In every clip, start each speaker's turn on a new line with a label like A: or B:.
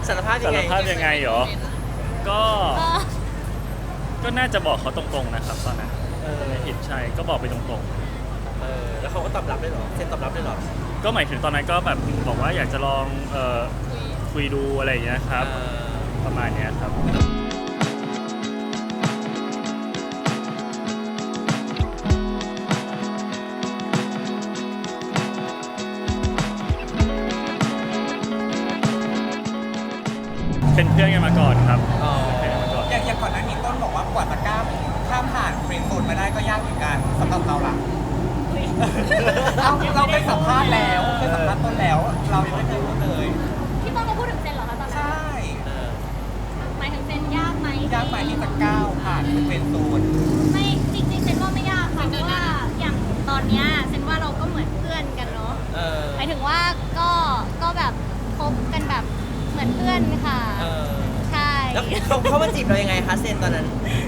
A: สารภาพยั
B: สาง
A: ไง
B: รภาพยังไงเหรอก็ก็น่าจะบอกเขาตรงๆนะครับตอนนั้นไม่ผิดใช่ก็บอกไปตรง
A: แล้วเขาก็ตอบรับได้หรอเซ็นตอบรับได้หรอ
B: ๆก็หมายถึงตอนนั้นก็แบบบอกว่าอยากจะลองคุยดูอะไรอย่างเงี้ยครับประมาณเนี้ยครับเป็นเพื่อนกันมาก่อนครับเป็นเพื่อนกันมาก่อน
C: อย่างก่อนหน้านี้ต้นบอกว่ากว่าจะข้ามผ่านเฟรนด์โซนมาได้ก็ยากเหมือนกันสำหรับเราล่ะเราไปสัมภาษณ์แล้วไปสัมภาษณ์ต้นแล้ว เรายังไม่เคยรู้เลย
D: พี่ต้นมาพูดถึงเซนเหรอคะตอนนั้น
C: ใช่
D: หมายถึงเซนยากไหม
C: ยากไปที่จะก้าวผ่านเฟรนด์โซน
D: ไม่จริงๆเซนว่าไม่ยากค่ะเพราะว่าอย่างตอนเนี้ยเซนว่าเราก็เหมือนเพื่อนกันเนาะหมายถึงว่าก็แบบคบกันแบบเหมือนเพื่อนค่ะใช่
A: แล้วเขามาจีบเรายังไงคะเซ็นตอนนั้น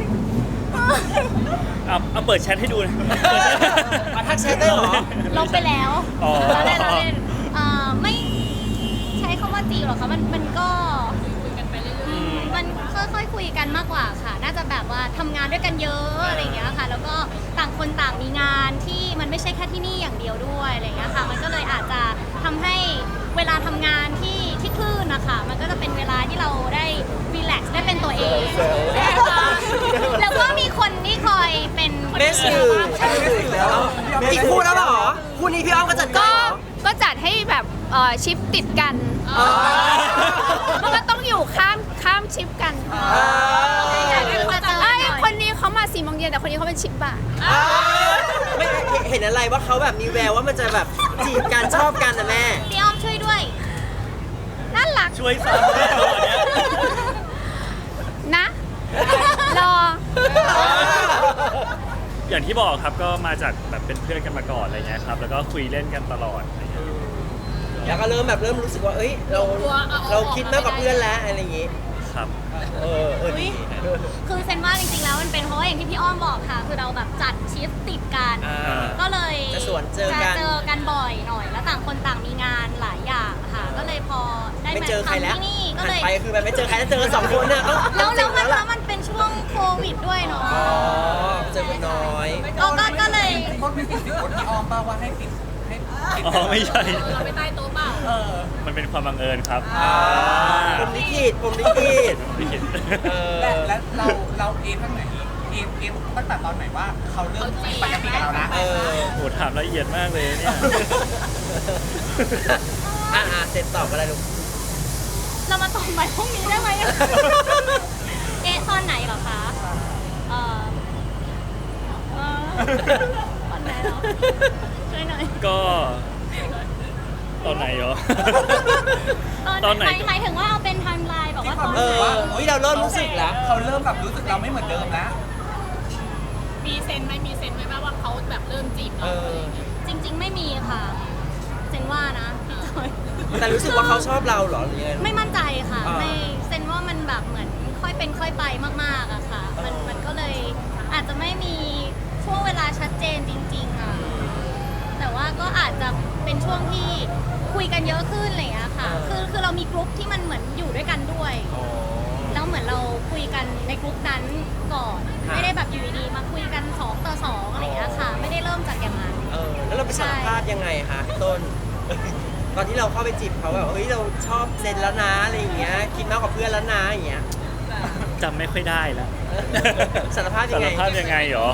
B: เอาเปิดแชทให้ดูนะ
A: ทักแชทได้เหรอ
D: ลบไปแล้ว
B: อ๋อ
D: เราเล่นไม่ใช้คำว่าจีบหรอกคะมันก็คุยกันไปเรื่อยๆมันค่อยๆคุยกันมากกว่าค่ะ น่าจะแบบว่าทำงานด้วยกันเยอะอะไรอย่างเงี้ยค่ะ แล้วก็ต่างคนต่างมีงานที่มันไม่ใช่แค่ที่นี่อย่างเดียวด้วยอะไรอย่างเงี้ยค่ะ มันก็เลยอาจจะทำให้เวลาทำงานที่คลื่นนะคะมันก็จะเป็นเวลาที่เราได้รีแลกซ์ได้เป็นตัวเองแล้วก็มีคนที่คอยเป็น
A: แม่สื่ออีกคู่แล้วเหรอคู่นี้พี่อ้อมก็จัดการเหรอ
E: ก็จัดให้แบบชิปติดกันมันก็ต้องอยู่ข้ามชิปกันคนนี้เขามา4 โมงเย็นแต่คนนี้เขาเป็นชิปบ่าย
A: ไม่เห็นอะไรว่าเขาแบบมีแววว่ามันจะแบบจีบกันชอบกันนะแม่
D: พี่อ้อมช่วยด้วย
E: น่ารัก
B: ช่วยซ้ำด้วยตัวเนี้ย
E: นะรอ
B: อย่างที่บอกครับก็มาจากแบบเป็นเพื่อนกันมาก่อนอะไรเงี้ยครับแล้วก็คุยเล่นกันตลอดอะไรเงี้ย
A: แล้วก็เริ่มรู้สึกว่าเอ้ยเราคิดมากกว่าเพื่อนแล้วอะไรอย่างงี้
B: ครับ
A: ดี
D: คือเซนว่าจริงๆแล้วมันเป็นเพราะว่าอย่างที่พี่อ้อมบอกค่ะ คือเราแบบจัดชิฟต์ติดกัน ก็เลย
A: จะสวนเจอกัน
D: จะเจอกันบ่อยหน่อย แล้วต่างคนต่างมีงานหลายอย่างค่ะ ก็เลยพอได้
A: ไม่
D: มา
A: เจอใครแล้ว
D: ทำที่นี่ก็
A: หัน
D: เลย
A: ไปคือแบบไม่เจอใครแล้วเจอกัน2 คนเนี่ยก็
D: แล้วมันเป็นช่วงโควิดด้วยเนาะ
A: เจอคนน้อย
D: ก็เลย
C: ต้นไม่ติดสิคนที่ออมเปล่าว่าให้ปิดให้
B: อ๋อไม่ใช่
D: เราไปใต้โต๊ะเปล่า
B: มันเป็นความบังเอิญครับ
A: ผมลิขิต
B: ไม่คิด
C: และเราเอทั้งไหนเอตั้งแต่ตอนไหนว่าเขาเริ่มปกติกับเราละ
B: โหถามละเอียดมากเลยเนี่ย
A: เสร็จตอบอะไรลูก
D: เรามาต่อไปพรุ่งนี้ได้ไหม เอ๊ะตอนไหนเหรอคะตอนไหนเหรอช่วยหน่อย
B: ก็ตอนไหนเหรอ ตอนไหน
D: หมายถึงว่าเอาเป็นไทม์ไลน์แบบว่าตอน
A: เราเริ่มรู้สึกแล้ว
C: เขาเริ่มแบบรู้สึกเราไม่เหมือนเดิมแล้ว
F: มีเซนไหมว่าเขาแบบเริ่มจีบเรา
D: จริง ๆ ไม่มีค่ะเซนว่านะพี่จอย
A: แต่รู้สึกว่าเขาชอบเราเหรอหรือยังไง
D: ไม่มั่นใจค่ะ
A: อ่า
D: ไม่เซนว่ามันแบบเหมือนค่อยเป็นค่อยไปมากๆอะค่ะ มันก็เลยอาจจะไม่มีช่วงเวลาชัดเจนจริงๆอะแต่ว่าก็อาจจะเป็นช่วงที่คุยกันเยอะขึ้นอะไรอย่างเงี้ยค่ะ คือเรามีกลุ่มที่มันเหมือนอยู่ด้วยกันด้วย แล้วเหมือนเราคุยกันในกลุ่มนั้นก่อน ไม่ได้แบบอยู่ดีๆมาคุยกัน2 ต่อ 2อะไรอย่างเงี้ยค่ะ ไม่ได้เริ่มจากอย่างนั้น
A: แล้วเราไปสารภาพยังไงคะพี่ต้น ตอนที่เราเข้าไปจีบเขาแบบเฮ้ยเราชอบเซนแล้วนะอะไรอย่างเงี้ยคิดมากกว่าเพื่อนแล้วนะอย่างเงี้ย
B: จำไม่ค่อยได้แล้ว
A: สารภาพยั
B: สาง ร
A: ไง
B: ภาพยังไงเหรอ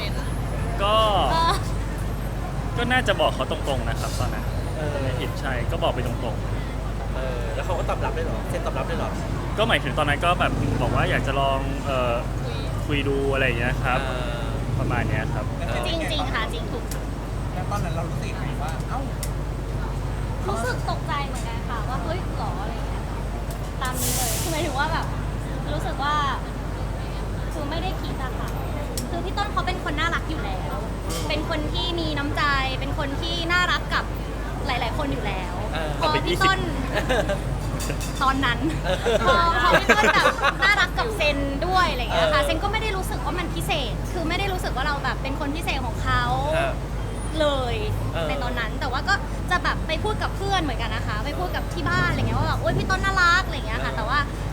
B: ก็น่าจะบอกเขาตรงๆนะครับตอนนั้นไม่ผิดใช่ก็บอกไปตรงๆ
A: แล้วเขาก็ตอบรับได้หรอเซนตอบรับได้หรอ
B: ก็หมายถึงตอนนั้นก็แบบบอกว่าอยากจะลองคุยดูอะไรอย่างเงี้ยครับประมาณเนี้ยครับ
D: จริงๆค่ะจริงถูก
C: แล้วตอนนั้นเรารู้สึกยังไงว่าเอ้า
D: รู้สึกตกใจเหมือนกันค่ะว่าเฮ้ยหรออะไรอย่างเงี้ยตามนี้เลยคือหมายถึงว่าแบบรู้สึกว่าคือไม่ได้คิดอะค่ะคือพี่ต้นเขาเป็นคนน่ารักอยู่แล้ว เป็นคนที่มีน้ำใจ เป็นคนที่น่ารักกับหลาย ๆ คนอยู่แล้วพอพี่ต้นตอนนั้นพอพี่ต้นแบบน่ารักกับเซนด้วยอะไรอย่างเงี้ยค่ะเซนก็ไม่ได้รู้สึกว่ามันพิเศษ คือไม่ได้รู้สึกว่าเราแบบเป็นคนพิเศษของเขาเลยในตอนนั้นแต่ว่าก็จะแบบไปพูดกับเพื่อนเหมือนกันนะคะไปพูดกับที่บ้านอะไรเงี้ยว่าแบบโอ๊ยพี่ต้นน่ารักอะไรเงี้ยค่ะแต่ว่า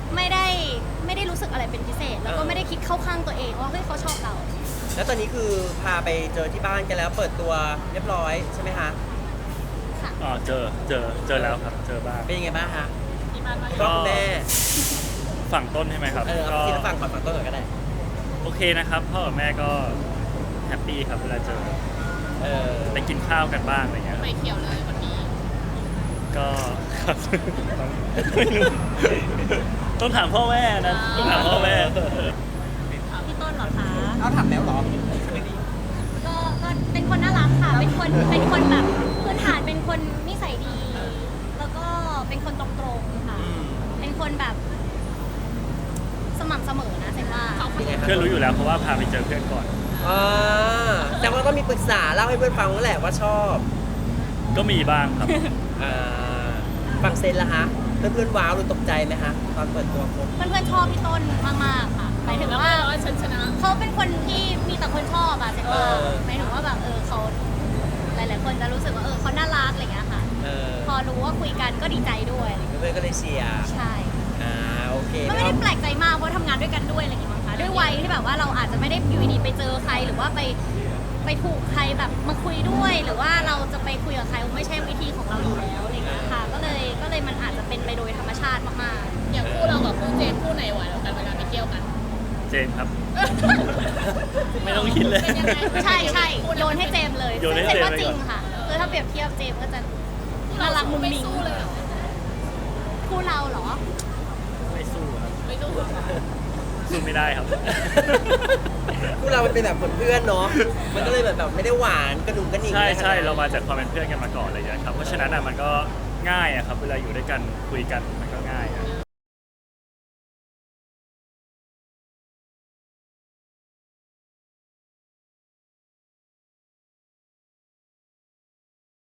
D: เข้าข้างตัวเองว่าเฮ้ยเขาชอบเรา
A: แล้วตอนนี้คือพาไปเจอที่บ้านกันแล้วเปิดตัวเรียบร้อยใช่ไหมคะ
D: ค่ะ
B: อ๋อเจอแล้วครับเจอบ้าง
A: เป็นยังไงบ้างคะ
F: ที่บ้านว่า
A: ก็คุณแม่
B: ฝั่งต้นใช่ไหมครับ
A: เอาทีละฝั่งก่อนฝั่งต้นก่อนก็ได้
B: โอเคนะครับพ่อกับแม่ก็แฮปปี้ครับเวลาเจอ
A: เออ
B: ไปกินข้าวกันบ้างอะไรเงี้ยครับ
F: ไฟเขียวเลยวันนี้
B: ก็ครับไม่รู้ต้องถามพ่อแม่นะต้องถามพ่อแม่
D: พี่ต้นเหรอคะ
C: เอาถามแล้วเหรอใช่ไหมนี่
D: ก็เป็นคนน่ารักค่ะ เป็นคนแบบพื้นฐานเป็นคนนิสัยดี แล้วก็เป็นคนตรงๆค่ะ เป็นคนแบบสม่ำเสมอนะเซนว่า
A: เป็นไงคะ
B: เพื่อนรู้อยู่แล้วเพราะว่าพาไปเจอเพื่อนก่อน
A: อ่าแต่ว่าก็มีปรึกษาเล่าให้เพื่อนฟังนั่นแหละว่าชอบ
B: ก็มีบ้างครับ
A: อ่าฝั่งเซนล่ะคะเพื่อนๆว้าวหรือตกใจไหมคะตอนเปิดตัวคบ
D: เพื่อนๆชอบพี่ต้นมากๆค่ะหมายถึง
F: แล้ว
D: ว่า
F: ว่าฉันชนะ
D: เขาเป็นคนที่มีแต่คนชอบอะเซนว่าหมายถึงว่าแบบเขาหลายๆคนจะรู้สึกว่าเขาน่ารักอะไรอย่างเงี้ยค่ะ
A: เออ
D: พอรู้ว่าคุยกันก็ดีใจด้วยอะไรอย่างเงี้ย
A: เพื่อนๆก็เลยเชียร์
D: ใช่
A: โอเค
D: ก็ไม่ได้แปลกใจมากเพราะทำงานด้วยกันด้วยอะไรอย่างเงี้ยมั้งคะด้วยวัยที่แบบว่าเราอาจจะไม่ได้อยู่ดีๆไปเจอใครหรือว่าไปถูกใครแบบมาคุยด้วย หรือว่าเราจะไปคุยกับใครไม่ใช่วิธีของเราอยู่แล้วอะไรอย่างเงี้ยค่ะก็เลยมันอาจจะเป็นไปโดยธรรมชาติมากๆ
F: อย่างคู่เรากับคู่เจมส์คู่ไหนไหวกว่ากันเวลาไปเที่ยวกัน
B: เจนครับ ไม่ต้องคิดเลย
F: เป็นยังไง
D: ใช่ใช่โยนให้เจมส์เลย
B: โยนให้
D: ซึ่ง
B: เจมส์
D: ว่า
B: ไป
D: จริ
B: ก่
D: ง
B: อน
D: ค่ะคือถ้าเปรียบเทียบเจมส์ก็จะ
F: คู่
D: น่า
F: เรา
D: รักมุ้ง
F: ไม่
D: มิ้ง
F: สู้เลยเหรอ
D: คู่เราเหรอ
B: ไม่สู้ครับ
F: ไม่สู้
B: สู้ไม่ได้ครับ
A: คู่เรามันเป็นแบบเพื่อนๆเนาะมันก็เลยแบบไม่ได้หวานกระดุมกระหนิ่ง
B: ใช่
A: อะไรขนด
B: ใช่
A: นั้น
B: เรามาจากความเป็นเพื่อนกันมาก่อนอะไรอย่างเงี้ยครับเพราะฉะนั้นอ่ะมันก็ง่ายอะครับเวลาอยู่ด้วยกันคุยกัน